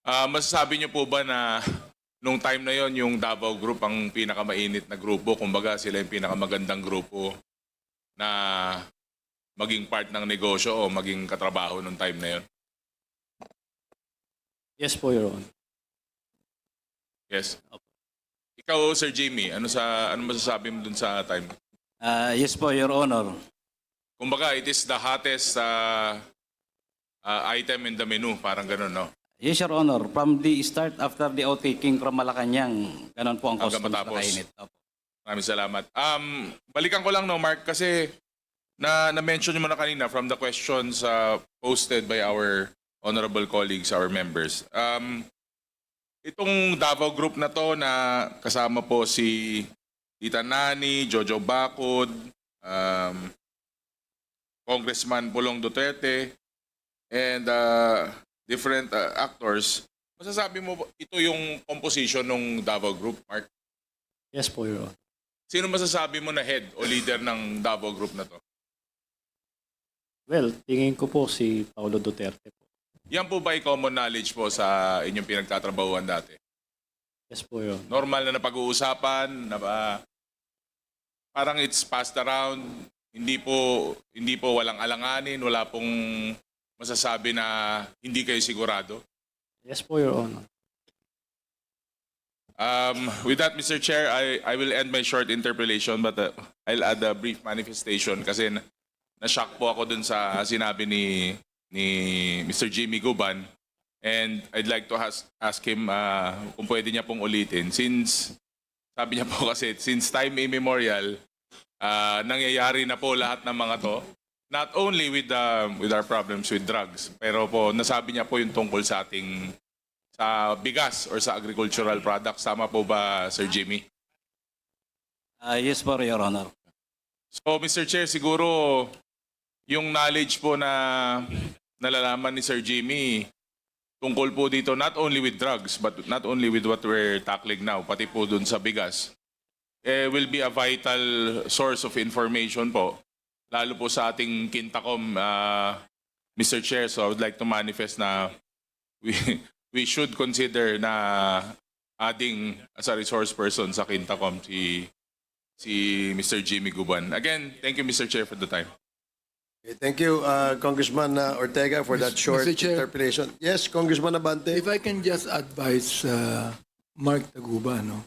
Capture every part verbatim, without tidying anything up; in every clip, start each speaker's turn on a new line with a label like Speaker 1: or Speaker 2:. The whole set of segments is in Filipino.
Speaker 1: Ah, masasabi niyo po ba na nung time na yon yung Davao Group ang pinakamainit na grupo, kumbaga sila yung pinakamagandang grupo na maging part ng negosyo o maging katrabaho nung time na yon?
Speaker 2: Yes po, Your Honor.
Speaker 1: Yes. Ikaw, Sir Jimmy, ano sa ano masasabi mo dun sa time?
Speaker 3: Ah, yes po, Your Honor.
Speaker 1: Kumbaga, it is the hottest uh, uh, item in the menu, parang ganun, no?
Speaker 3: Yes, Your Honor. From the start, after the outtaking from Malacanang, ganun po ang
Speaker 1: Hanggang
Speaker 3: customs na
Speaker 1: matapos.
Speaker 3: kainit. Opo.
Speaker 1: Maraming salamat. Um, balikan ko lang, no, Mark, kasi na na-mention mo na kanina from the questions uh, posted by our honorable colleagues, our members. Um, itong Davao Group na to na kasama po si Tita Nani, Jojo Bacod, um, Congressman Pulong Duterte, and uh, different uh, actors, masasabi mo ba ito yung composition ng Davao Group, Mark?
Speaker 2: Yes po, Your Honor.
Speaker 1: Sino masasabi mo na head o leader ng Davao Group na to?
Speaker 2: Well, tingin ko po si Paulo Duterte po.
Speaker 1: Yan po ba ay common knowledge po sa inyong pinagtatrabahuan dati?
Speaker 2: Yes po, Your Honor.
Speaker 1: Normal na napag-uusapan, na ba, parang it's passed around, hindi po hindi po walang alanganin, wala pong masasabi na hindi kayo sigurado.
Speaker 2: Yes po, Your Honor.
Speaker 1: Um, with that, Mister Chair, I, I will end my short interpellation but uh, I'll add a brief manifestation kasi na- na-shock po ako dun sa sinabi ni, ni Mister Jimmy Guban, and I'd like to ask, ask him uh, kung pwede niya pong ulitin since sabi niya po kasi since time immemorial uh, nangyayari na po lahat ng mga to, not only with the, with our problems with drugs, pero po nasabi niya po yung tungkol sa ating sa bigas or sa agricultural products. Tama po ba, Sir Jimmy?
Speaker 3: Ah, yes po, Your Honor.
Speaker 1: So, Mister Chair, siguro yung knowledge po na nalalaman ni Sir Jimmy tungkol po dito not only with drugs but not only with what we're tackling now, pati po dun sa bigas, eh, will be a vital source of information po, lalo po sa ating Quintacom, uh, Mister Chair. So I would like to manifest na we, we should consider na adding as a resource person sa Quintacom si si Mister Jimmy Guban. Again, thank you, Mister Chair, for the time.
Speaker 4: Okay, thank you, uh, Congressman uh, Ortega, for that short
Speaker 5: Mister Chair.
Speaker 4: interpretation. Yes, Congressman Abante.
Speaker 5: If I can just advise uh, Mark Taguba, no?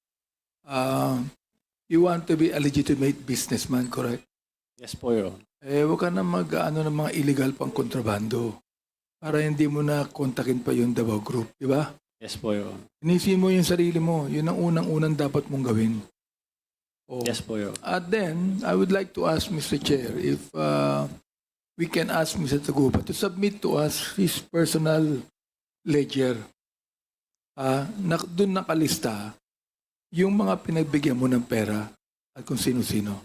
Speaker 5: Uh, you want to be a legitimate businessman, correct?
Speaker 2: Yes po, Your Honor.
Speaker 5: Eh, huwag ka na mag-ano ng mga illegal pang kontrabando para hindi mo na kontakin pa yung Davao Group, di ba?
Speaker 2: Yes po, Your Honor.
Speaker 5: Inisipin mo yung sarili mo. Yun ang unang-unang dapat mong gawin. Oh.
Speaker 2: Yes po, Your Honor.
Speaker 5: At then, I would like to ask Mister Chair if uh, we can ask Mister Taguba to submit to us his personal ledger. Uh, na, doon nakalista yung mga pinagbigyan mo ng pera at kung sino-sino.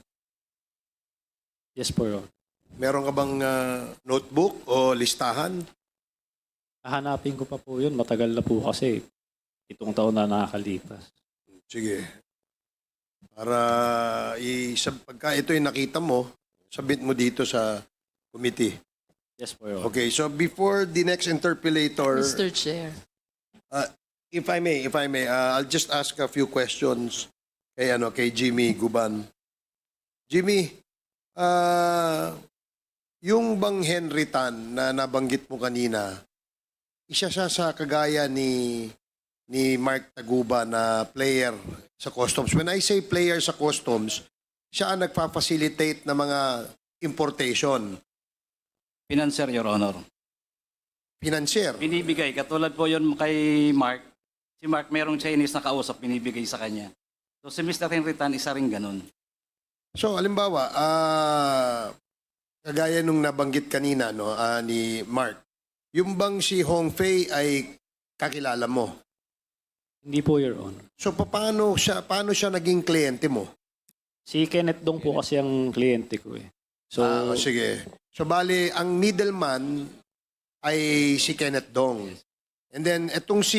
Speaker 2: Yes po, Your Honor.
Speaker 4: Meron ka bang uh, notebook o listahan?
Speaker 2: Hahanapin ko pa po yun. Matagal na po kasi. Itong taon na nakakalipas.
Speaker 4: Sige. Para isab pagka ito yung nakita mo, submit mo dito sa committee.
Speaker 2: Yes po, Your Honor.
Speaker 4: Okay, so before the next interpellator,
Speaker 6: Mister Chair.
Speaker 4: uh, if I may, if I may, uh, I'll just ask a few questions kay ano, kay Jimmy Guban. Jimmy, uh, yung bang Henry Tan na nabanggit mo kanina, isa siya sa kagaya ni ni Mark Taguba na player sa customs. When I say player sa customs, siya ang nagpa-facilitate ng mga importation.
Speaker 3: Financier, Your Honor.
Speaker 4: Financier.
Speaker 3: Binibigay. Katulad po yun kay Mark. Si Mark, merong Chinese na kausap, binibigay sa kanya. So si Mister Henry Tan, isa rin ganun.
Speaker 4: So, alimbawa, ah kagaya nung nabanggit kanina no, ah, ni Mark, yung bang si Hong Fei ay kakilala mo?
Speaker 2: Hindi po, Your Honor.
Speaker 4: So, paano siya, paano siya naging kliyente mo?
Speaker 2: Si Kenneth Dong po kasi ang kliyente ko eh. So,
Speaker 4: Ah, sige. So, bali, ang middleman ay si Kenneth Dong. And then, etong si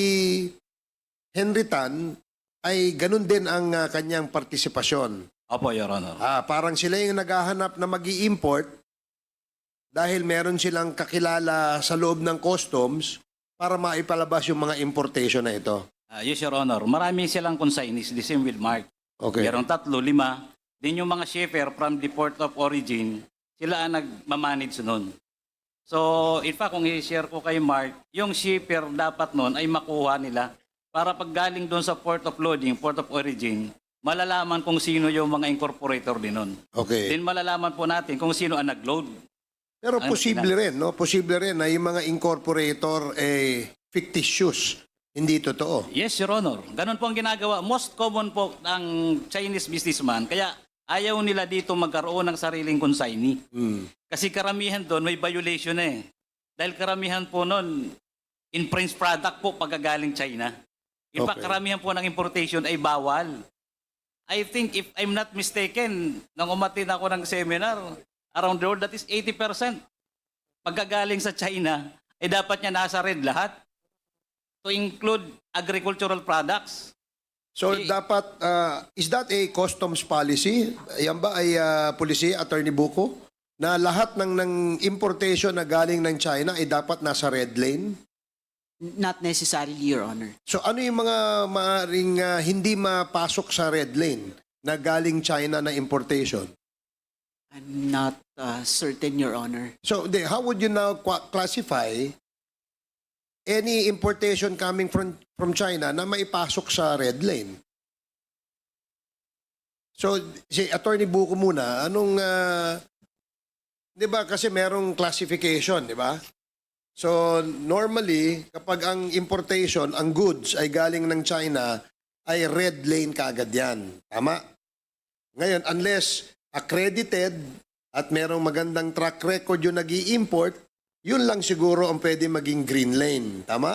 Speaker 4: Henry Tan ay ganun din ang ah, kanyang partisipasyon.
Speaker 3: Opo, Your Honor.
Speaker 4: Ah, parang sila yung naghahanap na mag-i-import dahil meron silang kakilala sa loob ng customs para maipalabas yung mga importation na ito?
Speaker 3: Ah, yes, Your Honor. Marami silang consignees, the same with Mark.
Speaker 4: Okay.
Speaker 3: Merong tatlo, lima. Din yung mga shipper from the port of origin, sila ang nagmamanage nun. So, in fact, kung i-share ko kay Mark, yung shipper dapat nun ay makuha nila para pag galing doon sa port of loading, port of origin, malalaman kung sino yung mga incorporator din nun.
Speaker 4: Okay.
Speaker 3: Then malalaman po natin kung sino ang nag-load.
Speaker 4: Pero
Speaker 3: Ano
Speaker 4: posible rin, no? Posible rin na yung mga incorporator eh fictitious, hindi totoo.
Speaker 3: Yes, Your Honor. Ganun po ang ginagawa. Most common po ng Chinese businessman. Kaya ayaw nila dito magkaroon ng sariling consignee.
Speaker 4: Hmm.
Speaker 3: Kasi karamihan doon may violation na eh. Dahil karamihan po noon, in-French product po pagkagaling China. In fact,
Speaker 4: Okay.
Speaker 3: karamihan po ng importation ay bawal. I think if I'm not mistaken, nang umatin ako ng seminar, around the world, that is eighty percent. Pagkagaling sa China, ay dapat niya nasa red lahat. To include agricultural products.
Speaker 4: So
Speaker 3: Eh,
Speaker 4: dapat, ah, is that a customs policy? Yan ba ay uh, policy, Attorney Buko? Na lahat ng, ng importation na galing ng China ay dapat nasa red lane?
Speaker 6: Not necessarily, Your Honor.
Speaker 4: So ano yung mga maaring ah, hindi mapasok sa red lane na galing China na importation?
Speaker 6: I'm not uh, certain, Your Honor.
Speaker 4: So de, how would you now qua- classify any importation coming from from China na maipasok sa red lane? So si Attorney Buko muna, anong ah, 'di ba kasi merong classification, 'di ba? So normally kapag ang importation, ang goods ay galing ng China ay red lane kaagad 'yan. Tama? Ngayon unless accredited at merong magandang track record yung nag-i-import, yun lang siguro ang pwede maging green lane. Tama?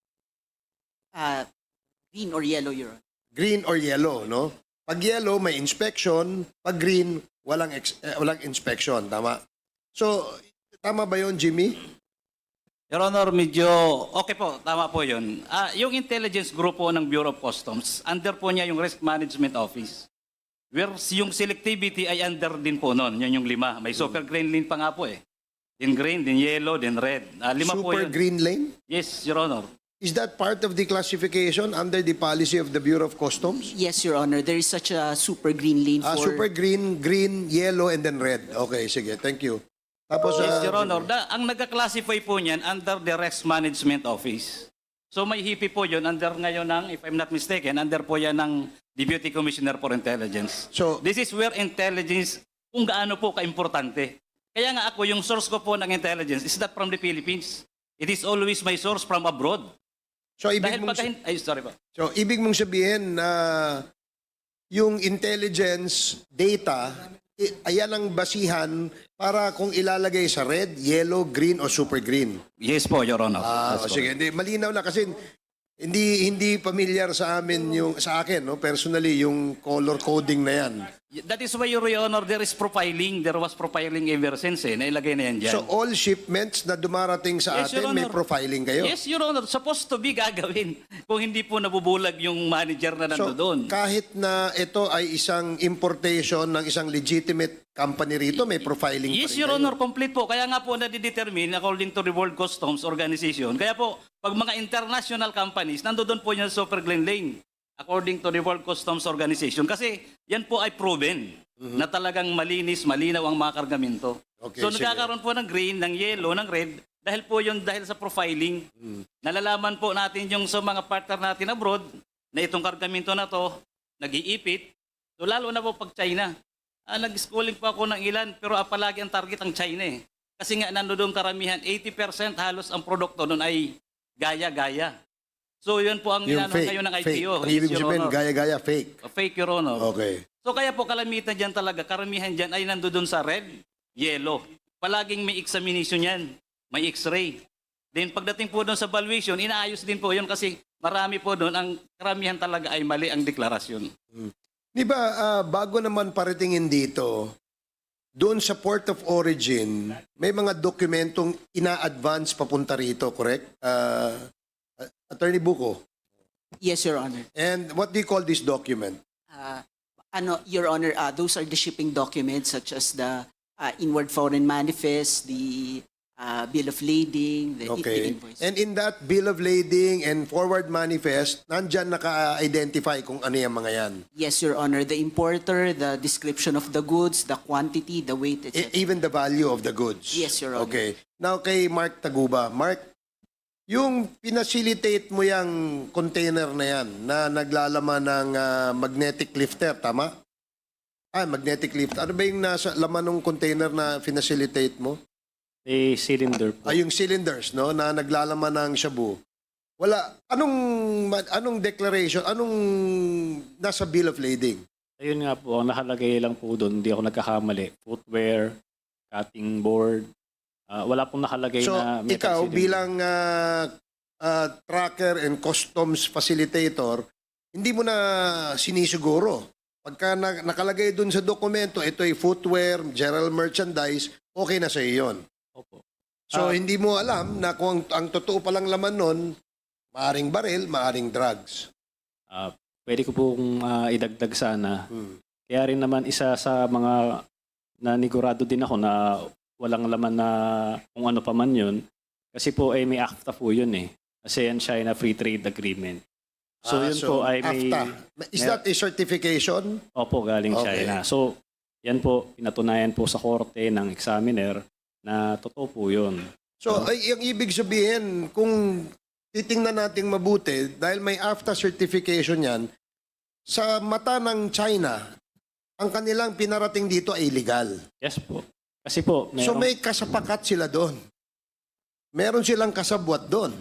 Speaker 6: Uh, green or yellow, Your Honor.
Speaker 4: Green or yellow, no? Pag yellow, may inspection. Pag green, walang, ex- eh, walang inspection. Tama? So, tama ba yun, Jimmy?
Speaker 3: Your Honor, medyo okay po, tama po yun. Ah, yung intelligence group po ng Bureau of Customs, under po niya yung Risk Management Office. Where yung selectivity ay under din po noon, yun yung lima. May super green lane pa nga po eh. Then green, then yellow, then red. Ah, lima po
Speaker 4: Super
Speaker 3: yun.
Speaker 4: green lane?
Speaker 3: Yes, Your Honor.
Speaker 4: Is that part of the classification under the policy of the Bureau of Customs?
Speaker 6: Yes, Your Honor. There is such a super green lane
Speaker 4: Ah,
Speaker 6: for...
Speaker 4: super green, green, yellow, and then red. Okay, sige. Thank you. Tapos,
Speaker 3: Yes,
Speaker 4: ah,
Speaker 3: Your Honor. Da, ang nagka-classify po niyan under the Risk Management Office. So may H I P I po yun under ngayon ng, if I'm not mistaken, under po yan ng Deputy Commissioner for Intelligence.
Speaker 4: So-
Speaker 3: this is where intelligence, kung gaano po ka-importante. Kaya nga ako, yung source ko po ng intelligence is not from the Philippines. It is always my source from abroad.
Speaker 4: so ibig
Speaker 3: Dahil
Speaker 4: mong,
Speaker 3: pagka, ay, sorry po.
Speaker 4: so, ibig mong sabihin na yung intelligence data, i- ayan ang basihan para kung ilalagay sa red, yellow, green, o super green.
Speaker 3: Yes po, Your Honor.
Speaker 4: Ah,
Speaker 3: That's
Speaker 4: o sige, hindi, malinaw na kasi hindi hindi familiar sa amin yung sa akin, no, personally yung color coding na yan.
Speaker 3: That is why, Your Honor, there is profiling. There was profiling ever since eh. Nailagay na yan dyan.
Speaker 4: So all shipments na dumarating sa
Speaker 3: Yes, Your
Speaker 4: atin may
Speaker 3: Honor.
Speaker 4: profiling kayo.
Speaker 3: Yes, Your Honor. Supposed to be gagawin kung hindi po nabubulag yung manager na
Speaker 4: So
Speaker 3: nandoon.
Speaker 4: kahit na ito ay isang importation ng isang legitimate company rito, may profiling
Speaker 3: Yes,
Speaker 4: pa rin
Speaker 3: Your
Speaker 4: kayo.
Speaker 3: Honor, complete po. Kaya nga po nadidetermine according to the World Customs Organization. Kaya po, pag mga international companies, nandoon po yan sa Super Green Lane according to the World Customs Organization. Kasi yan po ay proven na talagang malinis, malinaw ang mga kargamento.
Speaker 4: Okay,
Speaker 3: so
Speaker 4: sige.
Speaker 3: nagkakaroon po ng green, ng yellow, ng red dahil po yun dahil sa profiling. Nalalaman po natin yung sa mga partner natin abroad na itong kargamento na to nag-iipit. So lalo na po pag China. Ah, nag-schooling po ako ng ilan pero ah, palagi ang target ang China eh. Kasi nga nandoon karamihan, eighty percent halos ang produkto doon ay gaya-gaya. So yun po ang
Speaker 4: Yung
Speaker 3: inano
Speaker 4: fake,
Speaker 3: ngayon ng I
Speaker 4: fake.
Speaker 3: P O.
Speaker 4: Ang
Speaker 3: Yes,
Speaker 4: ibig
Speaker 3: Your
Speaker 4: sabihin,
Speaker 3: Honor.
Speaker 4: gaya-gaya, fake.
Speaker 3: Fake, Your Honor.
Speaker 4: Okay.
Speaker 3: So kaya po kalamitan dyan talaga, karamihan dyan ay nandoon sa red, yellow. Palaging may examination yan, may x-ray. Then pagdating po doon sa valuation, inaayos din po yun kasi marami po doon, ang karamihan talaga ay mali ang deklarasyon.
Speaker 4: Di ba, ah, bago naman paratingin dito, doon sa port of origin, may mga dokumentong ina-advance papunta rito, correct? Ah, Attorney Buko.
Speaker 6: Yes, Your Honor.
Speaker 4: And what do you call this document?
Speaker 6: Uh, ano, Your Honor, uh, those are the shipping documents such as the uh, inward foreign manifest, the uh, bill of lading, the, the
Speaker 4: Okay.
Speaker 6: invoice.
Speaker 4: And in that bill of lading and forward manifest, nandyan naka-identify kung ano yung mga yan.
Speaker 6: Yes, Your Honor. The importer, the description of the goods, the quantity, the weight, et
Speaker 4: E-
Speaker 6: cetera.
Speaker 4: even the value of the goods.
Speaker 6: Yes, Your Honor.
Speaker 4: Okay. Now kay Mark Taguba. Mark, yung pinacilitate mo yung container na yan na naglalaman ng ah, magnetic lifter, tama? Ah, magnetic lifter. Ano ba yung nasa laman ng container na pinacilitate mo?
Speaker 2: A cylinder po.
Speaker 4: Ah, yung cylinders, no, na naglalaman ng shabu. Wala. Anong anong declaration? Anong nasa bill of lading?
Speaker 2: Ayun nga po, ang nakalagay lang po doon, hindi ako nagkakamali. Footwear, cutting board. Ah, wala pong nakalagay
Speaker 4: So,
Speaker 2: na metal
Speaker 4: ikaw
Speaker 2: cylinder.
Speaker 4: bilang ah, ah, tracker and customs facilitator, hindi mo na sinisiguro. Pagka na- nakalagay dun sa dokumento, ito ay footwear, general merchandise, okay na sa iyo yun.
Speaker 2: Opo.
Speaker 4: So,
Speaker 2: Ah.
Speaker 4: hindi mo alam na kung ang, ang totoo palang laman nun, maaring baril, maaring drugs.
Speaker 2: Ah, pwede ko pong ah, idagdag sana.
Speaker 4: Hmm.
Speaker 2: Kaya rin naman isa sa mga nanigurado din ako na walang laman na kung ano pa man yun. Kasi po ay may AFTA po yun eh. ASEAN-China Free Trade Agreement. So
Speaker 4: Ah,
Speaker 2: yun po ay may...
Speaker 4: AFTA. Is
Speaker 2: may-
Speaker 4: that a certification?
Speaker 2: Opo, galing
Speaker 4: Okay.
Speaker 2: China. So yan po, pinatunayan po sa korte ng examiner na totoo po yun.
Speaker 4: So, ay, yung ibig sabihin, kung titingnan natin mabuti, dahil may AFTA certification yan, sa mata ng China, ang kanilang pinarating dito ay illegal.
Speaker 2: Yes po. Kasi po,
Speaker 4: So
Speaker 2: meron,
Speaker 4: may kasapakat sila doon. Meron silang kasabwat doon.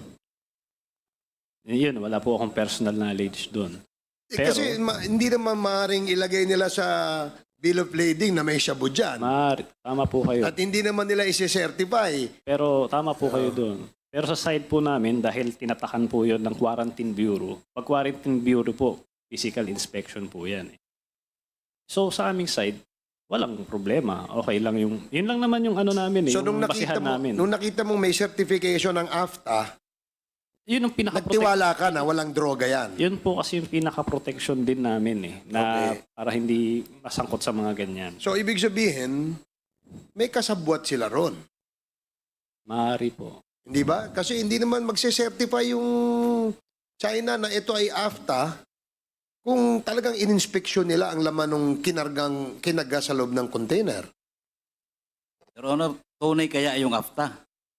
Speaker 2: yun, wala po akong personal knowledge doon.
Speaker 4: Eh,
Speaker 2: Pero-
Speaker 4: kasi ma- hindi naman maaaring ilagay nila sa bill of lading na may shabu dyan.
Speaker 2: Mar, tama po kayo.
Speaker 4: At hindi naman nila isi-certify.
Speaker 2: Pero tama po kayo doon. Pero sa side po namin, dahil tinatakan po yun ng Quarantine Bureau, pag Quarantine Bureau po, physical inspection po yan. Eh. So sa aming side, walang problema. Okay lang yung, yun lang naman yung ano namin eh,
Speaker 4: So
Speaker 2: yung
Speaker 4: nung nakita
Speaker 2: basihan
Speaker 4: mo,
Speaker 2: namin.
Speaker 4: nung nakita mong may certification ng AFTA,
Speaker 2: Yun ang pinaka
Speaker 4: nagtiwala ka na walang droga yan.
Speaker 2: Yun po kasi yung pinaka-protection din namin eh, na
Speaker 4: Okay.
Speaker 2: para hindi masangkot sa mga ganyan.
Speaker 4: So, ibig sabihin, may kasabwat sila ron.
Speaker 2: Maaari po.
Speaker 4: Hindi ba? Kasi hindi naman magse-certify yung China na ito ay AFTA kung talagang ininspeksyon nila ang laman ng kinargang, kinaga sa loob ng container.
Speaker 3: Pero ano, tunay kaya yung AFTA?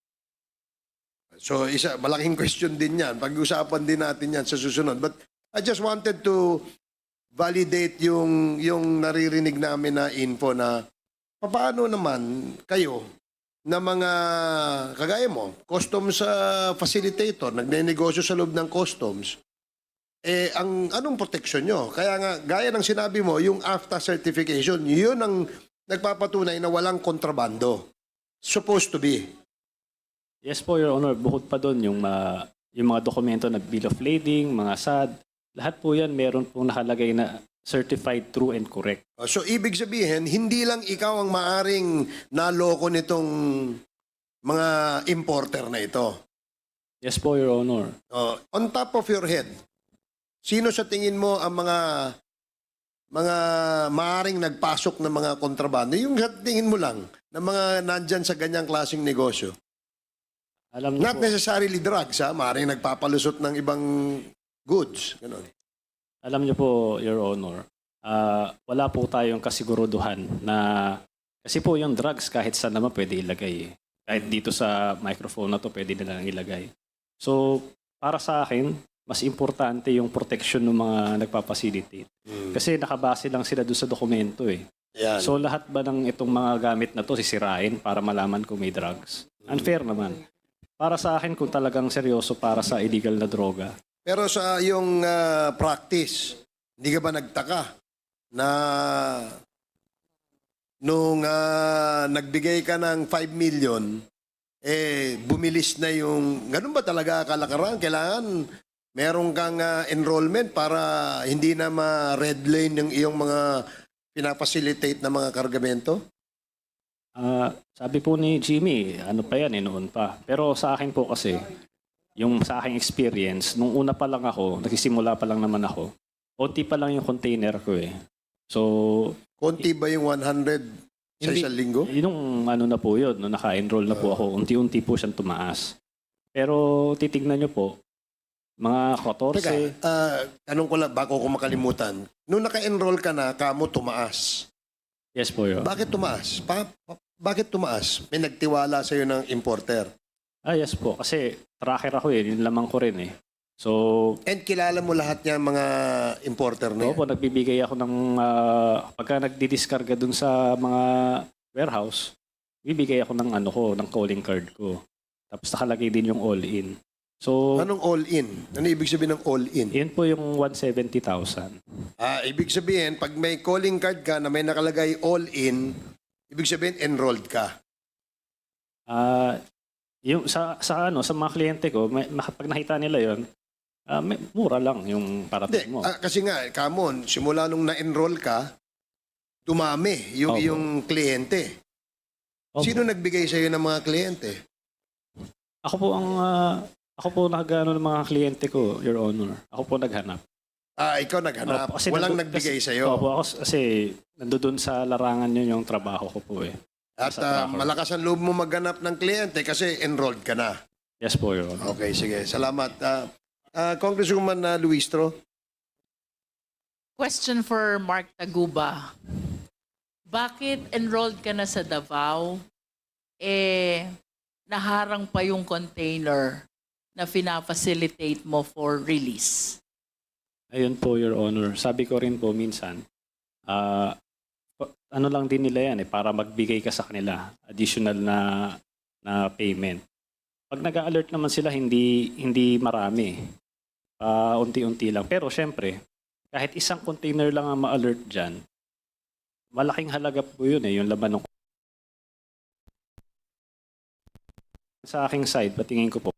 Speaker 4: So, isa, malaking question din yan. Pag-usapan din natin yan sa susunod. But I just wanted to validate yung, yung naririnig namin na info na paano naman kayo na mga, kagaya mo, customs uh, facilitator, nagnenegosyo sa loob ng customs, eh, ang anong protection nyo? Kaya nga, gaya ng sinabi mo, yung AFTA certification, yun ang nagpapatunay na walang kontrabando. Supposed to be.
Speaker 2: Yes po, Your Honor. Bukod pa doon, yung, ma- yung mga dokumento na bill of lading, mga S A D, lahat po yan meron pong nakalagay na certified true and correct.
Speaker 4: So, ibig sabihin, hindi lang ikaw ang maaring naloko nitong mga importer na ito.
Speaker 2: Yes po, Your Honor.
Speaker 4: Uh, on top of your head, sino sa tingin mo ang mga mga maaring nagpasok ng mga kontrabando? Yung sa tingin mo lang, na mga nandyan sa ganyang klaseng negosyo.
Speaker 2: Alam niyo
Speaker 4: Not
Speaker 2: po,
Speaker 4: necessarily drugs, ha? Maaring nagpapalusot ng ibang goods. Ganun.
Speaker 2: alam niyo po, Your Honor, ah, wala po tayong kasiguruduhan na kasi po yung drugs kahit saan naman pwede ilagay. Eh. Kahit dito sa microphone na to pwede nilang ilagay. So, para sa akin, mas importante yung protection ng mga nagpapacilitate. Kasi nakabase lang sila doon sa dokumento eh.
Speaker 4: Yan.
Speaker 2: So lahat ba ng itong mga gamit na to sisirain para malaman kung may drugs? Unfair naman. Para sa akin kung talagang seryoso para sa illegal na droga.
Speaker 4: Pero sa yung ah, practice, hindi ka ba nagtaka na nung ah, nagbigay ka ng five million, eh bumilis na yung, ganun ba talaga kalakaran? Kailangan meron kang ah, enrollment para hindi na ma-red lane yung iyong mga pinapacilitate na mga kargamento?
Speaker 2: Ah, sabi po ni Jimmy, ano pa yan eh, noon pa. Pero sa akin po kasi, yung sa aking experience, nung una pa lang ako, nagsisimula pa lang naman ako, onti pa lang yung container ko eh. So,
Speaker 4: Konti ba yung one hundred Sa
Speaker 2: Hindi.
Speaker 4: isang linggo?
Speaker 2: Yung ano na po yun, no, naka-enroll na po ako, unti-unti po siyang tumaas. Pero titignan nyo po, mga
Speaker 4: Teka,
Speaker 2: fourteen,
Speaker 4: ah, tanong ko lang, bako ko makalimutan. Nung naka-enroll ka na, kamo tumaas.
Speaker 2: yes po yun.
Speaker 4: Bakit tumaas? Pa, pa- bakit tumaas? May nagtiwala sa'yo ng importer.
Speaker 2: Ah, yes po. Kasi tracker ako eh. Yun lamang ko rin eh. So,
Speaker 4: And kilala mo lahat niya mga importer na
Speaker 2: oo
Speaker 4: yan.
Speaker 2: po, nagbibigay ako ng, ah, pagka nagdidiskarga dun sa mga warehouse, bibigay ako ng ano ko, ng calling card ko. Tapos nakalagay din yung all-in. So,
Speaker 4: Anong all-in? Ano ibig sabihin ng all-in?
Speaker 2: yun po yung one hundred seventy thousand.
Speaker 4: Ah, ibig sabihin, pag may calling card ka na may nakalagay all-in, ibig sabihin enrolled ka.
Speaker 2: Ah, yung sa sa ano, sa mga kliyente ko, may, pag nakita nila 'yon, ah, may, mura lang yung
Speaker 4: Hindi,
Speaker 2: parating mo.
Speaker 4: ah, kasi nga, kamon, simula nung na-enroll ka, dumami yung
Speaker 2: Opo.
Speaker 4: yung kliyente.
Speaker 2: Opo.
Speaker 4: Sino nagbigay sa'yo ng mga kliyente?
Speaker 2: Ako po ang ah, ako po nagano ng mga kliyente ko, Your Honor. Ako po naghanap.
Speaker 4: Ah, ikaw naghanap.
Speaker 2: Opo, kasi
Speaker 4: Walang
Speaker 2: nandu-
Speaker 4: nagbigay
Speaker 2: kasi-
Speaker 4: sa'yo.
Speaker 2: Opo, ako kasi nandoon sa larangan yun yung trabaho ko po eh.
Speaker 4: At
Speaker 2: sa
Speaker 4: ah,
Speaker 2: tracker.
Speaker 4: malakas ang loob mo maghanap ng kliyente kasi enrolled ka na.
Speaker 2: Yes po, Your Honor.
Speaker 4: Okay, sige. Salamat. Ah, ah, Congresswoman uh, Luistro.
Speaker 7: Question for Mark Taguba. Bakit enrolled ka na sa Davao, eh, naharang pa yung container na fina-facilitate mo for release?
Speaker 2: Ayun po, Your Honor. Sabi ko rin po minsan, ah, pa- ano lang din nila yan eh, para magbigay ka sa kanila, additional na na payment. Pag nag-alert naman sila, hindi hindi marami. Ah, unti-unti lang. Pero syempre, kahit isang container lang ang ma-alert dyan, malaking halaga po yun eh, yung laman ng sa aking side, patingin ko po.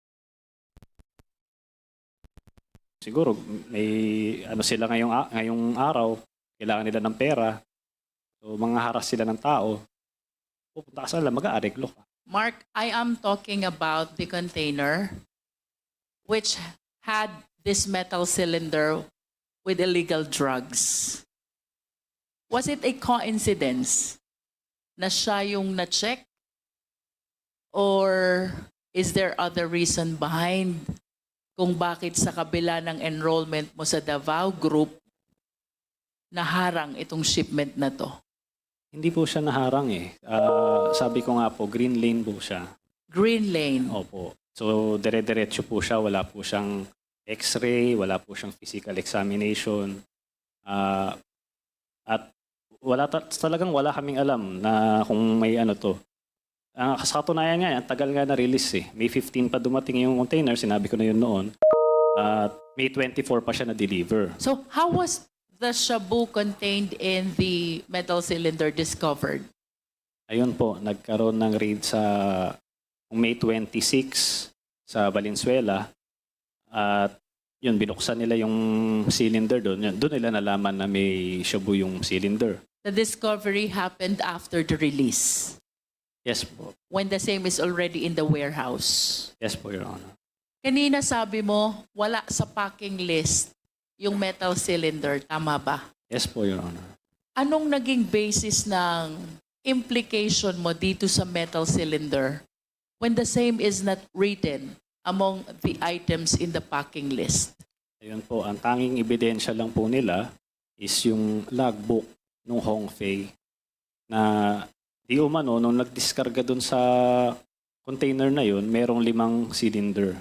Speaker 2: Siguro may ano sila ngayong a- ngayong araw, kailangan nila ng pera. So mga haras sila ng tao. Pupunta ka sa nila, mag-aareglo ka.
Speaker 7: Mark, I am talking about the container which had this metal cylinder with illegal drugs. Was it a coincidence na siya yung na-check? Or is there other reason behind kung bakit sa kabila ng enrollment mo sa Davao Group, naharang itong shipment na to?
Speaker 2: Hindi po siya naharang eh. Ah, sabi ko nga po, green lane po siya.
Speaker 7: Green Lane.
Speaker 2: Opo. So dire-diretso po siya, wala po siyang x-ray, wala po siyang physical examination. Ah, at wala ta- talagang wala kaming alam na kung may ano to. Ang uh, katunayan nga, ang tagal nga na-release eh. May fifteen pa dumating yung container, sinabi ko na yun noon. At May twenty-four pa siya na-deliver.
Speaker 7: So how was the shabu contained in the metal cylinder discovered?
Speaker 2: Ayun po, nagkaroon ng raid sa May twenty-six sa Valenzuela. At yun, binuksan nila yung cylinder doon. Yun, doon nila nalaman na may shabu yung cylinder.
Speaker 7: The discovery happened after the release,
Speaker 2: Yes po.
Speaker 7: when the same is already in the warehouse.
Speaker 2: Yes po, Your Honor.
Speaker 7: Kanina sabi mo, wala sa packing list yung metal cylinder. Tama ba?
Speaker 2: Yes po, Your Honor.
Speaker 7: Anong naging basis ng implication mo dito sa metal cylinder when the same is not written among the items in the packing list?
Speaker 2: Ayun po, ang tanging ebidensya lang po nila is yung logbook nung Hongfei na di umano, nung nagdiskarga dun sa container na yun, merong limang cylinder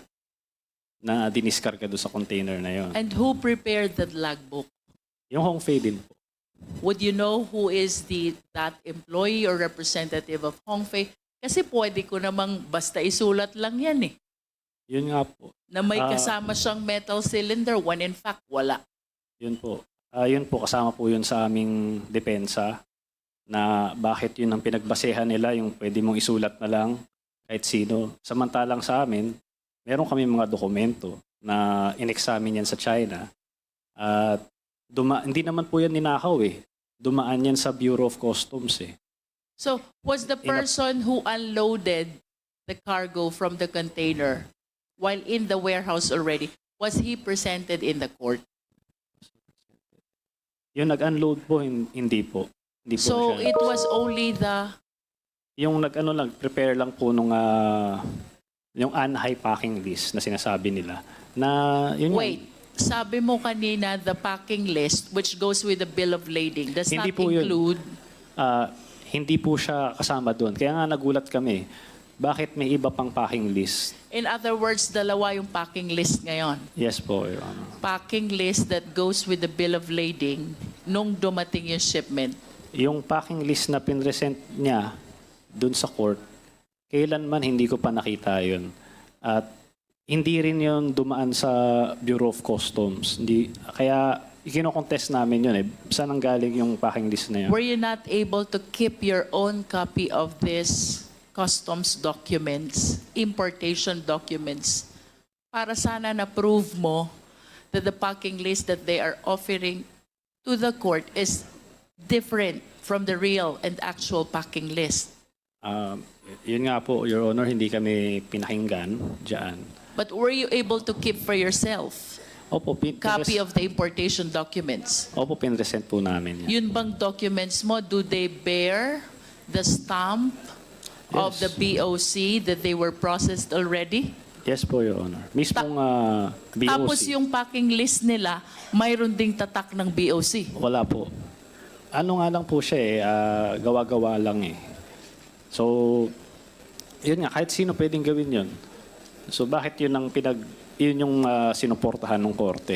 Speaker 2: na diniskarga dun sa container na yun.
Speaker 7: And who prepared that logbook?
Speaker 2: Yung Hongfei din po.
Speaker 7: Would you know who is the that employee or representative of Hongfei? Kasi pwede ko namang basta isulat lang yan eh.
Speaker 2: Yun nga po.
Speaker 7: Na may
Speaker 2: Ah.
Speaker 7: kasama siyang metal cylinder when in fact wala.
Speaker 2: Yun po. Ah, yun po, kasama po yun sa aming depensa na bakit yun ang pinagbasehan nila, yung pwede mong isulat na lang kahit sino. Samantalang sa amin, meron kami mga dokumento na in-examine yan sa China. At duma- hindi naman po yan ninakaw eh. Dumaan yan sa Bureau of Customs eh.
Speaker 7: So, was the
Speaker 2: In a-
Speaker 7: person who unloaded the cargo from the container while in the warehouse already, was he presented in the court?
Speaker 2: Yung nag-unload po, hin- hindi po. Hindi po
Speaker 7: So
Speaker 2: siya.
Speaker 7: it was only the
Speaker 2: Yung nag-ano lang, prepare lang po nung ah, yung anti packing list na sinasabi nila. Na yun nga,
Speaker 7: wait. Sabi mo kanina the packing list which goes with the bill of lading does
Speaker 2: Hindi
Speaker 7: not
Speaker 2: po yun.
Speaker 7: include
Speaker 2: ah, hindi po siya kasama doon. Kaya nga nagulat kami. Bakit may iba pang packing list?
Speaker 7: in other words dalawa yung packing list ngayon.
Speaker 2: Yes po, Your Honor.
Speaker 7: Packing list that goes with the bill of lading nung dumating yung shipment.
Speaker 2: Yung packing list na pinresent niya doon sa court, kailanman hindi ko pa nakita yun. At hindi rin yun dumaan sa Bureau of Customs. Hindi, kaya ikinocontest namin yun eh. Saan ang galing yung packing list na yun?
Speaker 7: Were you not able to keep your own copy of this customs documents, importation documents, para sana na-prove mo that the packing list that they are offering to the court is different from the real and actual packing list?
Speaker 2: Um, yun nga po, Your Honor, hindi kami pinakinggan dyan.
Speaker 7: But were you able to keep for yourself
Speaker 2: Opo, pin-
Speaker 7: copy
Speaker 2: pinres-
Speaker 7: of the importation documents?
Speaker 2: Opo, pinresent po namin yan.
Speaker 7: Yun bang documents mo, do they bear the stamp of
Speaker 2: Yes.
Speaker 7: the B O C that they were processed already?
Speaker 2: Yes po, Your Honor. Mismong ah, B O C.
Speaker 7: Tapos yung packing list nila, mayroon ding tatak ng B O C.
Speaker 2: Wala po. Ano nga lang po siya eh, ah, gawa-gawa lang eh. So, yun nga, kahit sino pwedeng gawin yun. So bakit yun ang pinag, yun yung ah, sinuportahan ng korte?